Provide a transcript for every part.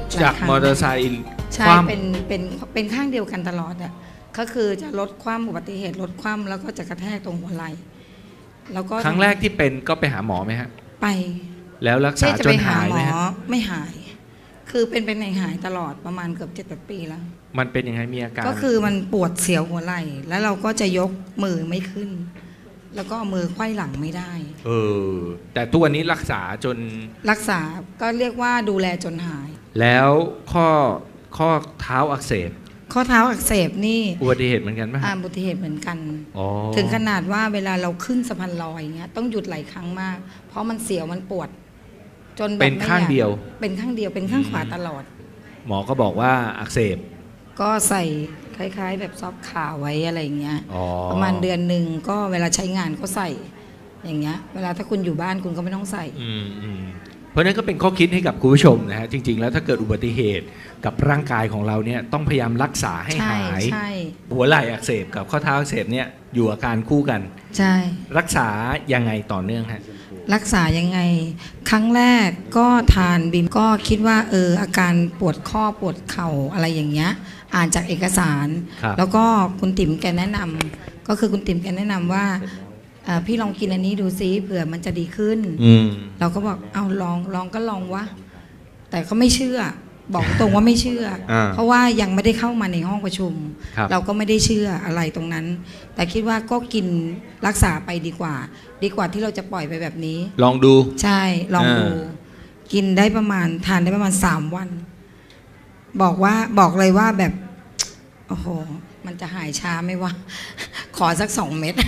จากมอเตอร์ไซค์ใช่เป็นข้างเดียวกันตลอดอ่ะก็คือจะลดความอุบัติเหตุลดความแล้วก็จะกระแทกตรงหัวไหล่แล้วก็ครั้งแรกที่เป็นก็ไปหาหมอไหมฮะไปแล้วรักษาจนหายไหมฮะไม่หายคือเป็นหายตลอดประมาณเกือบ7-8 ปีแล้วมันเป็นยังไงมีอาการก็คือมันปวดเสียวหัวไหล่แล้วเราก็จะยกมือไม่ขึ้นแล้วก็มือไขว้หลังไม่ได้แต่ตัวนี้รักษาจนรักษาก็เรียกว่าดูแลจนหายแล้วข้อเท้าอักเสบข้อเท้าอักเสบนี่อุบัติเหตุเหมือนกันไหมอุบัติเหตุเหมือนกันถึงขนาดว่าเวลาเราขึ้นสะพานลอยอย่างเงี้ยต้องหยุดหลายครั้งมากเพราะมันเสียวมันปวดจนแบบเป็นข้างเดียวเป็นข้างเดียวเป็นข้างขวาตลอดหมอก็บอกว่าอักเสบก็ใส่คล้ายๆแบบซอฟขาไว้อะไรอย่างเงี้ยประมาณเดือนหนึ่งก็เวลาใช้งานก็ใส่อย่างเงี้ยเวลาถ้าคุณอยู่บ้านคุณก็ไม่ต้องใส่เพราะนั้นก็เป็นข้อคิดให้กับคุณผู้ชมนะฮะจริงๆแล้วถ้าเกิดอุบัติเหตุกับร่างกายของเราเนี่ยต้องพยายามรักษาให้หายหัวไหล่อักเสบกับข้อเท้าอักเสบเนี่ยอยู่อาการคู่กันใช่รักษายังไงต่อเนื่องฮะรักษายังไงครั้งแรกก็ทานบิมก็คิดว่าอาการปวดข้อปวดเข่าอะไรอย่างเงี้ยอ่านจากเอกสารแล้วก็คุณติ๋มแกแนะนำก็คือคุณติ๋มแกแนะนำว่าพี่ลองกินอันนี้ดูซิเผื่อมันจะดีขึ้นเราก็บอกเอาลองก็ลองวะแต่เขาไม่เชื่อบอกตรงว่าไม่เชื่อเพราะว่ายังไม่ได้เข้ามาในห้องประชุมเราก็ไม่ได้เชื่ออะไรตรงนั้นแต่คิดว่าก็กินรักษาไปดีกว่าที่เราจะปล่อยไปแบบนี้ลองดูใช่ลองดูกินได้ประมาณทานได้ประมาณ3 วันบอกเลยว่าแบบโอ้โหมันจะหายช้าไหมวะขอสัก2 เม็ด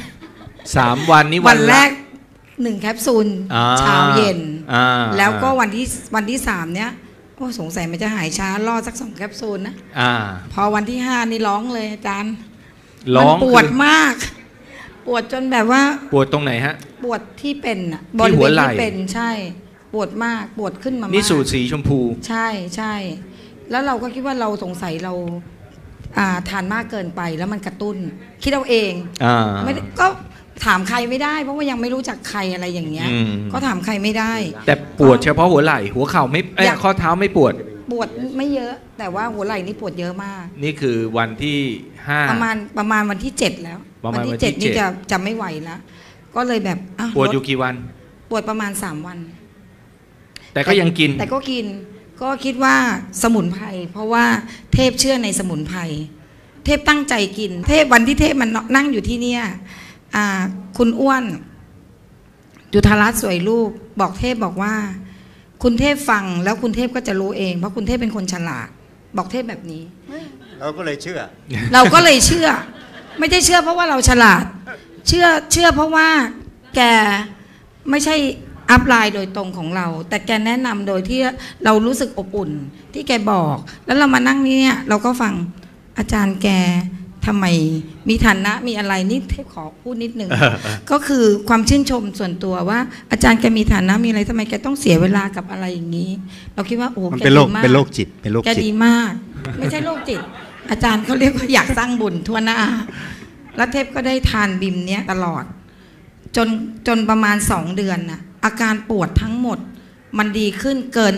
3 วันนี้วันแรก1 แคปซูลเช้าเย็นแล้วก็วันที่3เนี้ยโอ้สงสัยมันจะหายช้ารอสัก2 แคปซูลนะพอวันที่5นี่ร้องเลยอาจารย์มันปวดมากปวดจนแบบว่าปวดตรงไหนฮะปวดที่เป็นบริเวณที่เป็นใช่ปวดมากปวดขึ้นมามากนี่สูตรสีชมพูใช่แล้วเราก็คิดว่าเราสงสัยเราทานมากเกินไปแล้วมันกระตุ้นคิดเอาเองไม่ก็ถามใครไม่ได้เพราะว่ายังไม่รู้จักใครอะไรอย่างเงี้ยก็ถามใครไม่ได้แต่ปวดเฉพาะหัวไหล่หัวเข่าไม่ข้อเท้าไม่ปวดไม่เยอะแต่ว่าหัวไหล่นี่ปวดเยอะมากนี่คือวันที่5 ประมาณวันที่7แล้ววันที่7นี่จะไม่ไหวแล้วก็เลยแบบปวดอยู่กี่วันปวดประมาณ3 วันแต่ก็ยังกินแต่ก็กินก็คิดว่าสมุนไพรเพราะว่าเทพเชื่อในสมุนไพรเทพตั้งใจกินเทพวันที่เทพมันนั่งอยู่ที่เนี่ยคุณอ้วนจุฑารัตน์สวยรูปบอกเทพบอกว่าคุณเทพฟังแล้วคุณเทพก็จะรู้เองเพราะคุณเทพเป็นคนฉลาดบอกเทพแบบนี้เราก็เลยเชื่อไม่ได้เชื่อเพราะว่าเราฉลาดเชื่อเพราะว่าแกไม่ใช่อัพไลน์โดยตรงของเราแต่แกแนะนำโดยที่เรารู้สึกอบอุ่นที่แกบอกแล้วเรามานั่งนี่เนี่ยเราก็ฟังอาจารย์แกทำไมมีฐานะมีอะไรนี่เทพขอพูดนิดนึง ก็คือความชื่นชมส่วนตัวว่าอาจารย์แกมีฐานะมีอะไรทำไมแกต้องเสียเวลากับอะไรอย่างนี้เราคิดว่าโอ้แกดีมากเป็นโรคจิตแกดีมากไม่ใช่โรคจิตอาจารย์เขาเรียกว่าอยากสร้างบุญทั่วหน้าแล้วเทพก็ได้ทานบิมเนี้ยตลอดจนประมาณ2 เดือนน่ะอาการปวดทั้งหมดมันดีขึ้นเกิน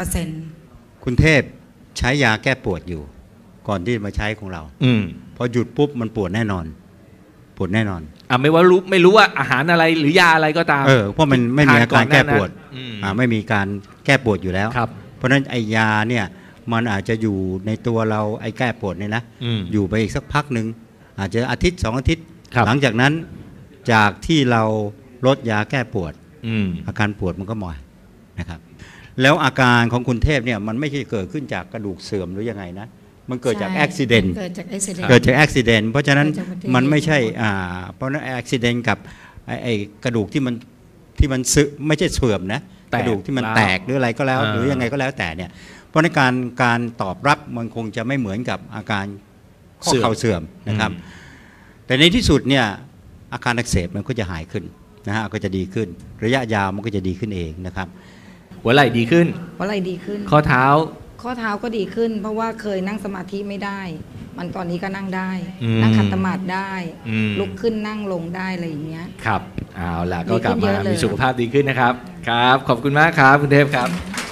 70% คุณเทพใช้ยาแก้ปวดอยู่ก่อนที่มาใช้ของเราพอหยุดปุ๊บมันปวดแน่นอนไม่รู้ว่าอาหารอะไรหรือยาอะไรก็ตามเพราะมันไม่มีอาการแก้ปวดไม่มีการแก้ปวดอยู่แล้วเพราะฉะนั้นไอยาเนี่ยมันอาจจะอยู่ในตัวเราไอแก้ปวดเนี่ยนะอยู่ไปอีกสักพักหนึ่งอาจจะอาทิตย์2 อาทิตย์หลังจากนั้นจากที่เราลดยาแก้ปวดอาการปวดมันก็หมอยนะครับแล้วอาการของคุณเทพเนี่ยมันไม่ใช่เกิดขึ้นจากกระดูกเสื่อมหรือยังไงนะมันเกิดจากอุบัติเหตุเพราะฉะนั้นมันไม่ใช่เพราะนั้นอุบัติเหตุกับไอ้กระดูกที่มันไม่ใช่เสื่อมนะกระดูกที่มันแตกหรืออะไรก็แล้วหรือยังไงก็แล้วแต่เนี่ยเพราะในการตอบรับมันคงจะไม่เหมือนกับอาการข้อเข่าเสื่อมนะครับแต่ในที่สุดเนี่ยอาการอักเสบมันก็จะหายขึ้นนะฮะก็จะดีขึ้นระยะยาวมันก็จะดีขึ้นเองนะครับหัวไหล่ดีขึ้นข้อเท้าก็ดีขึ้นเพราะว่าเคยนั่งสมาธิไม่ได้มันตอนนี้ก็นั่งได้นั่งขัดสมาธิได้ลุกขึ้นนั่งลงได้อะไรอย่างเงี้ยครับเอาล่ะก็กลับมามีสุขภาพดีขึ้นนะครับครับขอบคุณมากครับคุณเทพครับ